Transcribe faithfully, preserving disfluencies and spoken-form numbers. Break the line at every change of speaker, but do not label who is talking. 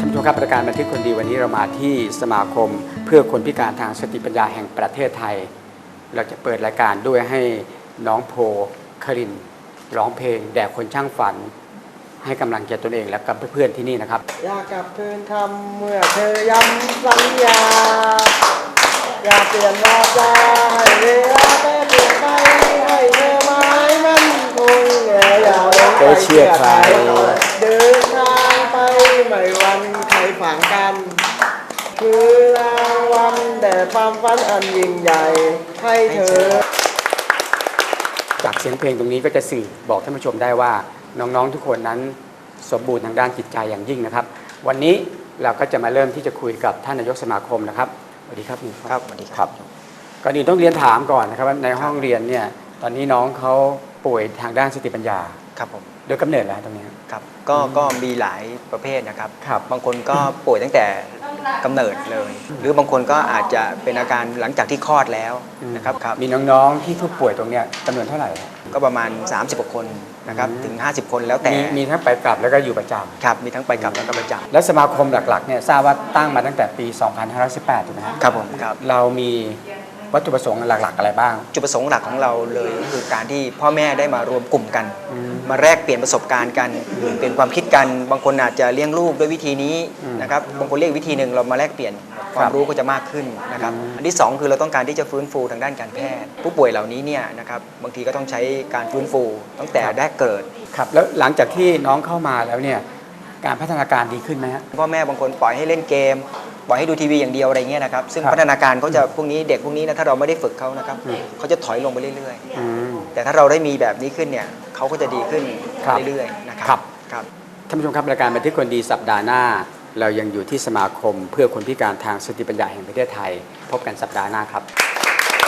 านผู้ชมครับรายการบันทึกคนดีวันนี้เรามาที่สมาคมเพื่อคนพิการทางสติปัญญาแห่งประเทศไทยเราจะเปิดรายการด้วยให้น้องโพครินร้องเพลงแด่คนช่างฝันให้กำลังใจตนเองและกับเพื่อนๆที่นี่นะครับ
อยากกลับคืนคำเมื่อเธอย้ำสัญญาอยากเปลี่ยนวาจาให้เวลาแปรเปลี่ยนไปให้เธอหมายมั่นคงอย่าหลงไปเชื่อใครเดินทางไปไม่วันใครฝังกันคือรางวัลแต่ความฝันอันยิ่งใหญ่ให้เธอ
จากเสียงเพลงตรงนี้ก็จะสื่อบอกท่านผู้ชมได้ว่าน้องๆทุกคนนั้นสมบูรณ์ทางด้านจิตใจอย่างยิ่งนะครับวันนี้เราก็จะมาเริ่มที่จะคุยกับท่านนายกสมาคมนะครับสวัสดีครับนี่
ครับสวัสดีครับ
ก่อนอื่นต้องเรียนถามก่อนนะครับว่าในห้องเรียนเนี่ยตอนนี้น้องเขาป่วยทางด้านสติปัญญา
ครับผม
โดยกำเนิดแล้วตรงนี้
ครับก็ก็มีหลายประเภทนะครับบางคนก็ป่วยตั้งแต่กำเนิดเลยหรือบางคนก็อาจจะเป็นอาการหลังจากที่คลอดแล้วนะครับ
มีน้องๆที่ผู้ป่วยตรงนี้จำนวนเท่าไหร่
ก็ประมาณสามสิบกว่าคนนะครับถึงห้าสิบคนแล้วแต่
มีทั้งไปกลับแล้วก็อยู่ประจำ
ครับมีทั้งไปกลับแล้วก็ประจำ
และสมาคมหลักๆเนี่ยทราบว่าตั้งมาตั้งแต่ปีสองพันห้าร้อยสิบแปดถูกไหมครับ
ครับผมครับ
เรามีวัตถุประสงค์หลักๆอะไรบ้าง
จุดประสงค์หลักของเราเลยก็คือการที่พ่อแม่ได้มารวมกลุ่มกันมาแลกเปลี่ยนประสบการณ์กันเปลี่ยนความคิดกันบางคนอาจจะเลี้ยงลูกด้วยวิธีนี้นะครับบางคนเรียกวิธีหนึ่งเรามาแลกเปลี่ยนความรู้ก็จะมากขึ้นนะครับอันที่สองคือเราต้องการที่จะฟื้นฟูทางด้านการแพทย์ผู้ป่วยเหล่านี้เนี่ยนะครับบางทีก็ต้องใช้การฟื้นฟูตั้งแต่แรกเกิด
ครับแล้วหลังจากที่น้องเข้ามาแล้วเนี่ยการพัฒนาการดีขึ้นไหมครับ
พ่อแม่บางคนปล่อยให้เล่นเกมปล่อยให้ดูทีวีอย่างเดียวอะไรเงี้ยนะครับซึ่งพัฒนาการเขาจะพวกนี้เด็กพวกนี้นะถ้าเราไม่ได้ฝึกเขานะครับเขาจะถอยลงไปเรื่อยๆแต่ถ้าเราได้มีแบบนี้ขึ้นเนี่ยเขาก็จะดีขึ้นเรื่อยๆนะครับ
ครับท่านผู้ชมครับรายการบันทึกคนดีสัปดาห์หน้าเรายังอยู่ที่สมาคมเพื่อคนพิการทางสติปัญญาแห่งประเทศไทยพบกันสัปดาห์หน้าครับ